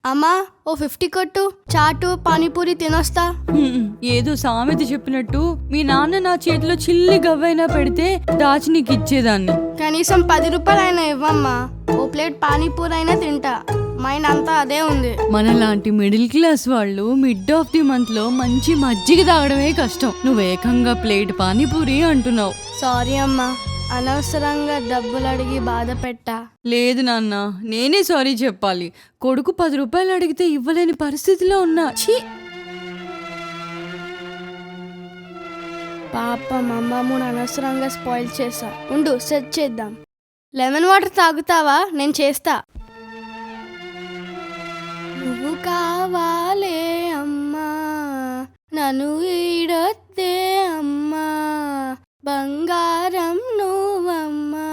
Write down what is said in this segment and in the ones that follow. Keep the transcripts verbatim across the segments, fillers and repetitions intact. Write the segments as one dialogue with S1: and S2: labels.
S1: అమ్మా ఓ ఫిఫ్టీ కొట్టు, చాటు పానీపూరి తినొస్తా.
S2: హ్మ్, ఏదో సామెత చెప్పినట్టు మీ నాన్న నా చేతిలో చిల్లి గవ్వైనా పెడితే దాచి నీకు ఇచ్చేదాన్ని.
S1: కనీసం పది రూపాయలు అయినా ఇవ్వమ్మా, ఓ ప్లేట్ పానీపూరి అయినా తింటా. మైండ్ అంతా అదే ఉంది.
S2: మనలాంటి మిడిల్ క్లాస్ వాళ్ళు మిడ్ ఆఫ్ ది మంత్ లో మంచి మజ్జిగ తాగడమే కష్టం. నువ్వు ఏకంగా ప్లేట్ పానీపూరి అంటున్నావు.
S1: సారీ అమ్మా, అనవసరంగా డబ్బులు అడిగి బాధ పెట్టా.
S2: లేదు నాన్న, నేనే సారీ చెప్పాలి. కొడుకు పది రూపాయలు అడిగితే ఇవ్వలేని పరిస్థితిలో ఉన్నా. ఛీ,
S1: పాపం అమ్మమ్మను అనవసరంగా స్పాయిల్ చేసా. ఉండు సెట్ చేద్దాం. లెమన్ వాటర్ తాగుతావా? నేను చేస్తా. నువ్వు కావాలే అమ్మా, నన్ను ఈడొద్దే అమ్మా, బంగారం నువ్వమ్మా,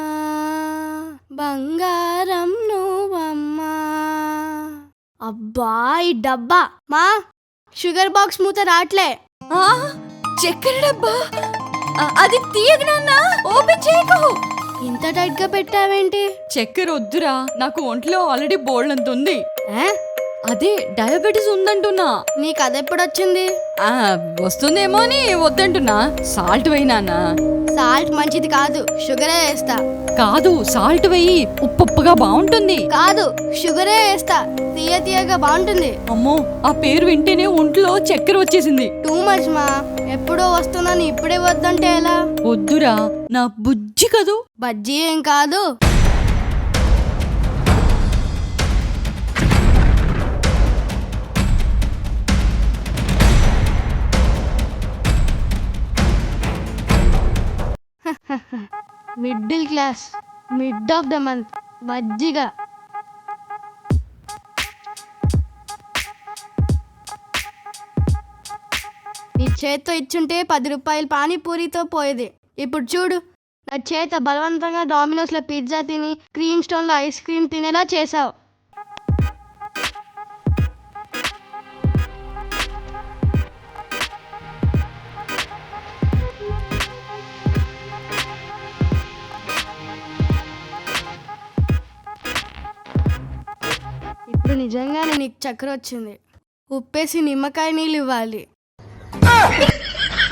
S1: బంగారం నువ్వమ్మా. అబ్బా ఈ డబ్బా మా షుగర్ బాక్స్ మూత రాట్లే.
S2: ఆ, చక్కెర డబ్బా అది తీయకు నాన్న, ఓపెన్ చేయకు.
S1: ఇంత టైట్ గా పెట్టావేంటి?
S2: చక్కెర వద్దురా, నాకు ఒంట్లో ఆల్రెడీ బోల్డ్ అంత ఉంది.
S1: ఏ?
S2: అదే డయాబెటీస్ ఉందంటున్నా.
S1: నీకు అదెప్పుడొచ్చింది?
S2: ఆ, వస్తుందేమో అని వద్దంటున్నా. సాల్ట్ వేయి నాన్న.
S1: సాల్ట్ మంచిది కాదు, షుగరే వేస్తా.
S2: కాదు, సాల్ట్ వేయి, ఉప్పుగా బాగుంటుంది.
S1: కాదు, షుగరే వేస్తా, తీయ తీయగా బాగుంటుంది.
S2: అమ్మో, ఆ పేరు వింటేనే ఒంట్లో చక్కెర వచ్చేసింది.
S1: టూ మచ్ మా, ఎప్పుడో వస్తున్నాను ఇప్పుడే వద్దంటే ఎలా?
S2: వద్దురా, నా బుజ్జి కదూ.
S1: బజ్జీ ఏం కాదు. Middle class, mid of the month, మజ్జిగ. నీ చేత్తో ఇచ్చుంటే పది రూపాయలు పానీపూరితో పోయేది. ఇప్పుడు చూడు, నా చేత బలవంతంగా డామినోస్లో పిజ్జా తిని క్రీమ్ స్టోన్లో ఐస్ క్రీమ్ తినేలా చేసావు. ఇప్పుడు నిజంగానే నీకు చక్కెర వచ్చింది. ఉప్పేసి నిమ్మకాయ నీళ్ళు ఇవ్వాలి.